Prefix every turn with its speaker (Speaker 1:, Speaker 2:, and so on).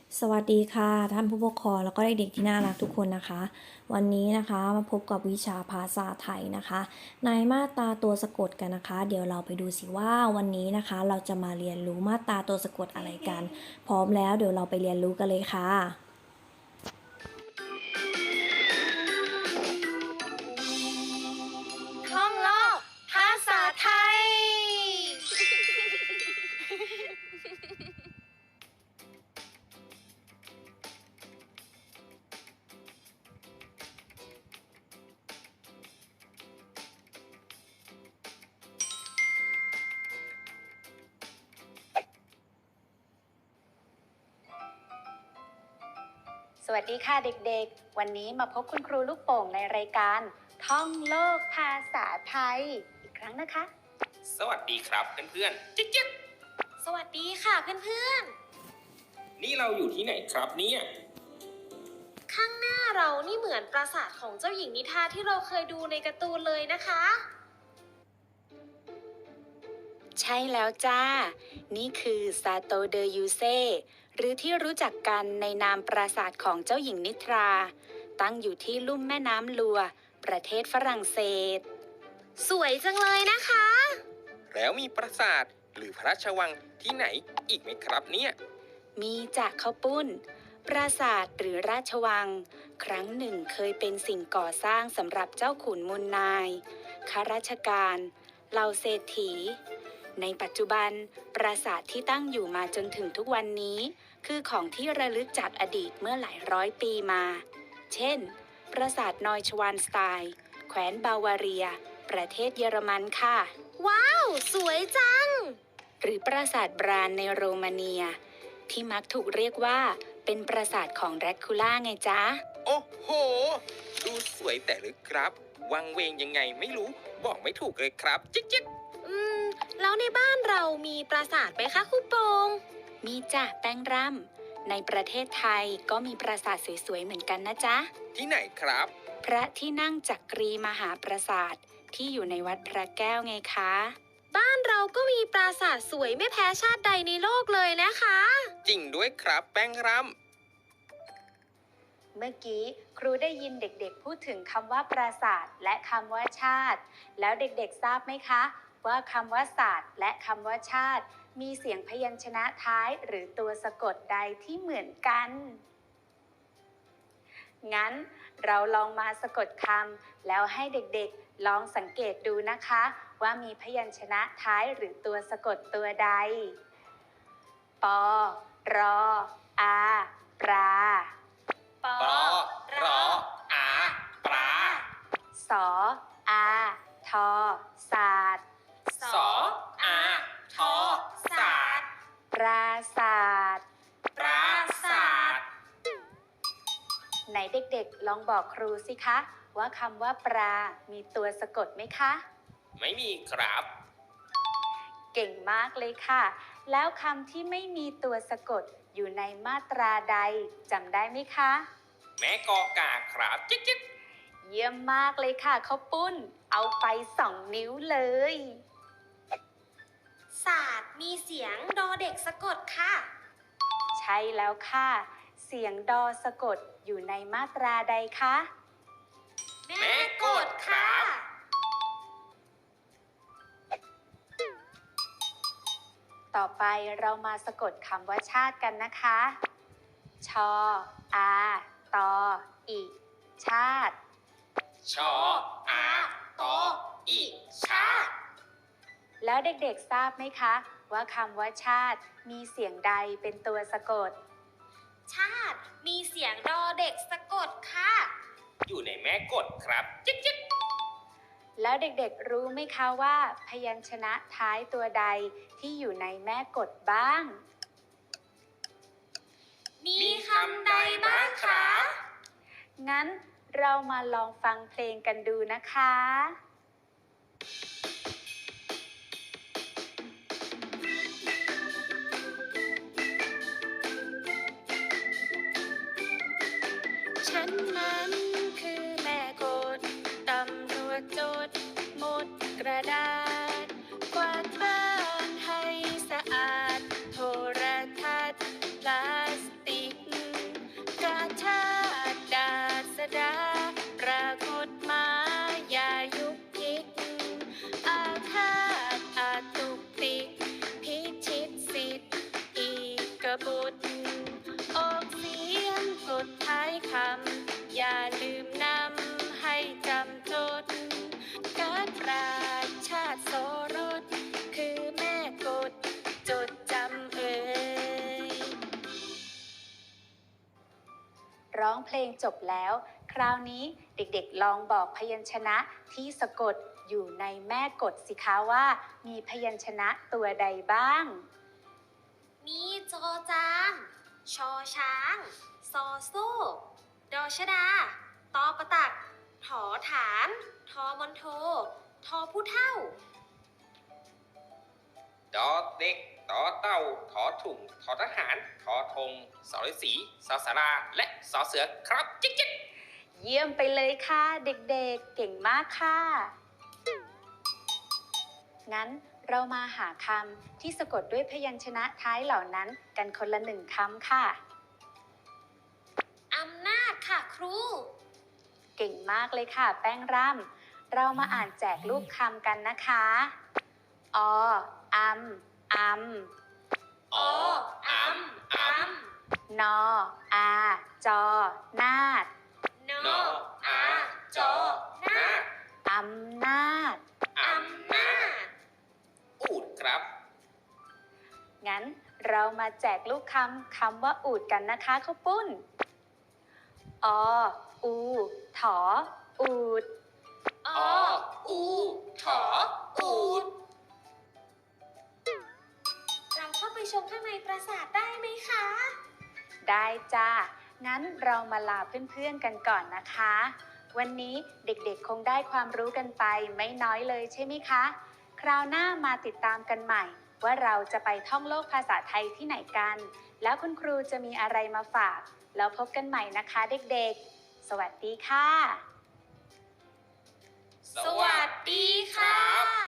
Speaker 1: สวัสดีค่ะท่านผู้ปกครองแล้วก็เด็กๆที่น่ารักทุกคนนะคะวันนี้นะคะมาพบกับวิชาภาษาไทยนะคะในมาตราตัวสะกดกันนะคะเดี๋ยวเราไปดูสิว่าวันนี้นะคะเราจะมาเรียนรู้มาตราตัวสะกดอะไรกันพร้อมแล้วเดี๋ยวเราไปเรียนรู้กันเลยค่ะ
Speaker 2: ท่องโลกภาษาไทย สวัสดีค่ะเด็กๆ วันนี้มาพบคุณครูลูกโป่งในรายการท่องโลกภาษาไทยอีกครั้งนะคะ
Speaker 3: สวัสดีครับเพื่อนๆจิ๊กจิ๊ก
Speaker 2: สวัสดีค่ะเพื่อน
Speaker 3: นี่เราอยู่ที่ไหนครับเนี่ย
Speaker 2: ๆ ข้างหน้าเรานี่เหมือนปราสาทของเจ้าหญิงนิทราที่เราเคยดูในการ์ตูนเลยนะคะ ใช่แล้วจ้า นี่คือซาโตเดอยูเซหรือที่รู้จักกันในนามปราสาทของเจ้าหญิงนิทรา ตั้งอยู่ที่ลุ่มแม่น้ำลัว ประเทศฝรั่งเศส สวยจังเลยนะคะ
Speaker 3: แล้วมีปราสาทหรือพระราชวังที่ไหนอีกไหมครับเนี่ย
Speaker 2: มีจากข้าวปุ้น ปราสาทหรือราชวัง ครั้งหนึ่งเคยเป็นสิ่งก่อสร้างสำหรับเจ้าขุนมูลนายข้าราชการเหล่าเศรษฐี ในปัจจุบัน ปราสาทที่ตั้งอยู่มาจนถึงทุกวันนี้ คือของที่ระลึกจากอดีตเมื่อหลายร้อยปีมา เช่น ปราสาทนอยชวานสไตน์แคว้นบาวาเรีย ประเทศเยอรมันค่ะ ว้าว สวยจัง หรือปราสาทบรานในโรมาเนีย ที่มักถูกเรียกว่าเป็นปราสาทของแดร็กคูล่าไงจ๊ะ
Speaker 3: โอ้โห ดูสวยแต่ลึกครับ วังเวงยังไงไม่รู้ บอกไม่ถูกเลยครับจิ๊กจิ๊ก
Speaker 2: แล้วในบ้านเรามีปราสาทไหมคะครูโปงมีจ้ะแป้งร่ำในประเทศไทยก็มีปราสาทสวยๆเหมือนกันนะจ๊ะ
Speaker 3: ที่ไหนครับ
Speaker 2: พระที่นั่งจักรีมหาปราสาทที่อยู่ในวัดพระแก้วไงคะ บ้านเราก็มีปราสาทสวยไม่แพ้ชาติใดในโลกเลยนะคะ
Speaker 3: จริงด้วยครับแป้งร
Speaker 2: เมื่อกี้ครูได้ยินเด็กๆพูดถึงคำว่าปราสาทและคำว่าชาติ แล้วเด็กๆทราบไหมคะ ว่าคำว่าศาสตร์และคำว่าชาติ มีเสียงพยัญชนะท้ายหรือตัวสะกดใดที่เหมือนกัน งั้นเราลองมาสะกดคำแล้วให้เด็กๆลองสังเกตดูนะคะ ว่ามีพยัญชนะท้ายหรือตัวสะกดตัวใด ปอ รอ อา ปลา ปอ
Speaker 3: ปรออาปลา
Speaker 2: สอ อา ทอ ศาสตร์
Speaker 3: สออาทอศาสตร์
Speaker 2: ปราศาสตร์
Speaker 3: ปราศาสตร์
Speaker 2: ไหนเด็กๆลองบอกครูสิคะว่าคำว่าปลามีตัวสะกดไหมคะ
Speaker 3: ไม่มีครับ
Speaker 2: เก่งมากเลยค่ะ แล้วคำที่ไม่มีตัวสะกดอยู่ในมาตราใดจำได้ไหมคะ
Speaker 3: แม่กอกาครับจิ๊กจิ๊ก
Speaker 2: เยี่ยมมากเลยค่ะข้าวปุ้น เอาไป2 นิ้วเลย ศาสตร์มีเสียงดอเด็กสะกดค่ะ ใช่แล้วค่ะ เสียงดอสะกดอยู่ในมาตราใดคะ
Speaker 3: แม่กดครับ
Speaker 2: ต่อไปเรามาสะกดคำว่าชาติกันนะคะ ชอ อา ตอ อิ ชาติ
Speaker 3: ชออาตออีชาติ
Speaker 2: แล้วเด็กๆทราบไหมคะว่าคำว่าชาติมีเสียงใดเป็นตัวสะกด ชาติมีเสียงดอเด็กสะกดค่ะ
Speaker 3: อยู่ในแม่กดครับจิ๊กจิ๊ก
Speaker 2: แล้วเด็กๆรู้ไหมคะว่าพยัญชนะท้ายตัวใดที่อยู่ในแม่กฎบ้าง
Speaker 3: มีคำใดบ้างคะ
Speaker 2: งั้นเรามาลองฟังเพลงกันดูนะคะ ฉันนั้นคือแม่กฎตำรวจจดหมดกระดาษกวาดบ้านให้สะอาดโทรทัศน์พลาสติกดออกเสียงกดท้ายคำอย่าลืมนำให้จำจดการราชาติโสรสคือแม่กดจดจำร้องเพลงจบแล้ว คราวนี้เด็กๆลองบอกพยัญชนะที่สะกดอยู่ในแม่กฎสิคะว่ามีพยัญชนะตัวใดบ้าง
Speaker 4: มีจอจานชอช้างซอโซ่ดอชดาตอประตักถอฐานทอมอนโททอผู้เท่า
Speaker 3: ดอเด็กต่อเต่าถอถุงถอทหารถอธงสรศรีสอสาราและสอเสือครับจิ๊กจิ๊ก
Speaker 2: เยี่ยมไปเลยค่ะเด็กๆเก่งมากค่ะ งั้นเรามาหาคำที่สะกดด้วยพยัญชนะท้ายเหล่านั้นกันคนละ1 คำค่ะ
Speaker 4: อำนาจค่ะครู
Speaker 2: เก่งมากเลยค่ะแป้งร่ำเรามาอ่านแจกรูปคำกันนะคะออัมอัม
Speaker 3: ออำอำ
Speaker 2: นออาจอนาด
Speaker 4: น
Speaker 3: นออาจอนา
Speaker 2: อำนาจ
Speaker 3: อำนาจอูดครับ
Speaker 2: งั้นเรามาแจกลูกคำว่าอูดกันนะคะข้าวปุ้นออูถออูด
Speaker 4: อ
Speaker 3: อูถออูด
Speaker 4: เราเข้าไปชมข้างในปราสาทได้ไหมคะ
Speaker 2: ได้จ้า งั้นเรามาลาเพื่อนๆกันก่อนนะคะ วันนี้เด็กๆคงได้ความรู้กันไปไม่น้อยเลยใช่ไหมคะ คราวหน้ามาติดตามกันใหม่ ว่าเราจะไปท่องโลกภาษาไทยที่ไหนกัน แล้วคุณครูจะมีอะไรมาฝาก แล้วพบกันใหม่นะคะเด็กๆ สวัสดีค่ะ
Speaker 4: สวัสดีค่ะ